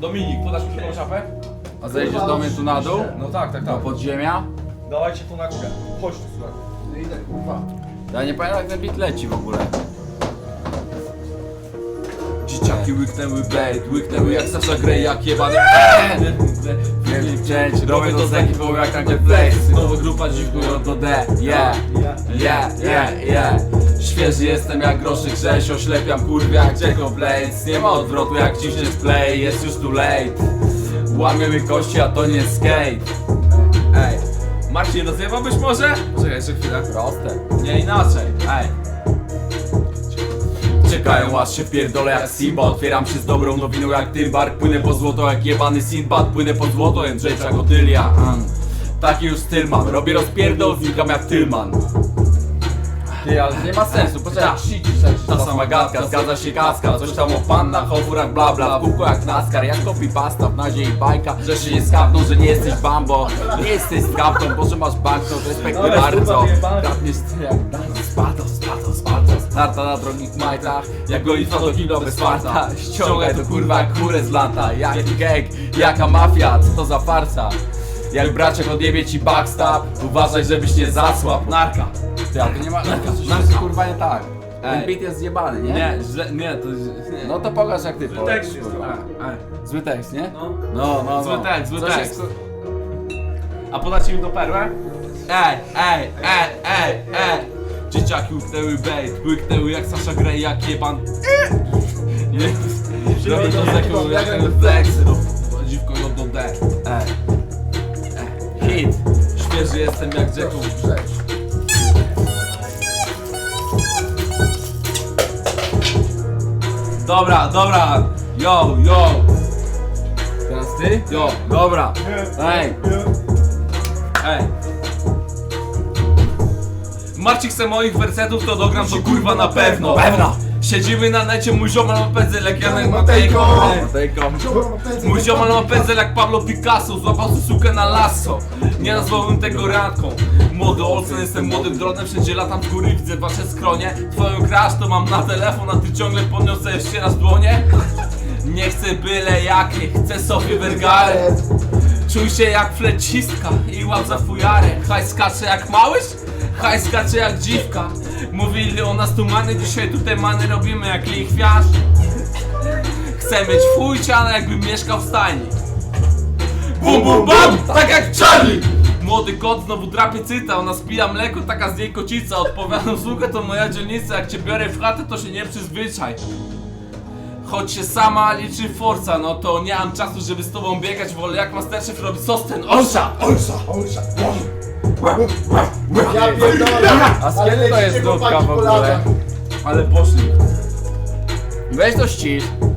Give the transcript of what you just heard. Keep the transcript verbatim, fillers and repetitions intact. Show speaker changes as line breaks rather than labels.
Dominik, podasz mi tą szafę?
A zejdziesz do mnie tu na dół?
No tak, tak,
Do
tak.
podziemia?
Dawajcie tu na górę. Chodź tu, słuchaj.
No idę, kurwa.
Ja nie pamiętam jak ten beat leci w ogóle. Dzieciaki łyknęły bait, łyknęły jak Sasha Grey, jak jebany Część, robię to z ekipą jak takie flex. Nowa grupa dziwkują do D, yeah, yeah, yeah, yeah. Świeży jestem jak groszy grześ, oślepiam kurwa jak Jacob Blades. Nie ma odwrotu jak ciśniesz play, jest już too late. Łamiemy kości, a to nie skate.
Ej, Marcin, rozjebałbyś może? Czekaj, jeszcze chwilę.
Proste.
Nie inaczej. Ej.
Czekają aż się wpierdolę jak Simba. Otwieram się z dobrą nowiną jak Tymbar. Płynę po złoto jak jebany Sinbad. Płynę po złoto, Jędrzejcza Gotylia. mm. Taki już styl mam, robię rozpierdol, znikam jak Tylman. Ty, ale nie ma sensu, poczekaj, ta sama gadka, zgadza się kaska. Coś tam o pannach, o furach, bla bla. W kółko jak NASCAR, jak copy pasta w nazie i bajka. Że się nie skapną, że nie jesteś Bambo. Nie jesteś skaptą, bo że masz banknot, respektuj
Ale
bardzo.
kurwa, wyjebane.
Kapniesz ty jak Daniel, Spartos, Spartos, Spartos. Narta na drogich majtach, jak gonitwa do kino bez farta. Ściągaj to kurwa jak chmurę z lata. Jaki gang, jaka mafia, co to za farsa? Jak braciak odjebie ci backstab, uważaj żebyś nie zasłabł.
Narka.
Ty, ale to nie ma, narka, kurwa nie tak. Ten
Ej.
beat jest zjebany, nie?
Nie, źle, nie, to nie.
No to pokaż jak ty
Zły
powiesz,
tekst jest,
kurwa.
ej, ej.
Zły tekst, nie?
No.
No, no,
Zły
no.
tekst, zły
Coś
tekst.
jest-
A podacie mi tą perłę? Ej, ej, ej, ej, ej. Dzieciaki łyknęły bait, łyknęły jak Sasha Grey, jak jeban. Nie, robię to z jaką, jak ten flex. No, dziwko do D. Ej, ej. Hit. Świeży jestem jak Jacko. Dobra, dobra. Yo, yo.
Teraz ty?
Yo.
Dobra. Ej.
Ej. Marcin chce moich wersetów, to dogram to kurwa na pewno.
Pewno.
Siedzimy na necie, mój ziomal ma pędzel jak Janek Matejko.
Matejko.
Mój ziomal ma pędzel jak Pablo Picasso. Złapał tu sukę na lasso. Nie nazwałbym tego randką. Młody Olsen, jestem młodym dronem. Wszędzie latam w góry, widzę wasze skronie. Twoją crash to mam na telefon, a ty ciągle podniosę jeszcze raz dłonie. Nie chcę byle jakie, chcę sobie Vergare. Czuj się jak flecistka i łap za fujarę. Haj skacze jak małyś, haj skacze jak dziwka. Mówili o nas tu many, dzisiaj tutaj many robimy jak lichwiarz. Chcę mieć fujciane jakbym mieszkał w stajni. Bum bum bam, tak jak Charlie. Młody kot znowu drapie cyta, ona spija mleko, taka z niej kocica. Odpowiadam, słuchaj, to moja dzielnica, jak cię biorę w chatę, to się nie przyzwyczaj. Choć się sama liczy forca, no to nie mam czasu, żeby z tobą biegać. Wolę jak Masterchef robi sos ten Olsza.
Olsza, olsza, ja pierdolę.
A z kiedy to jest nutka w ogóle?
Ale poszli.
Weź to ścisz.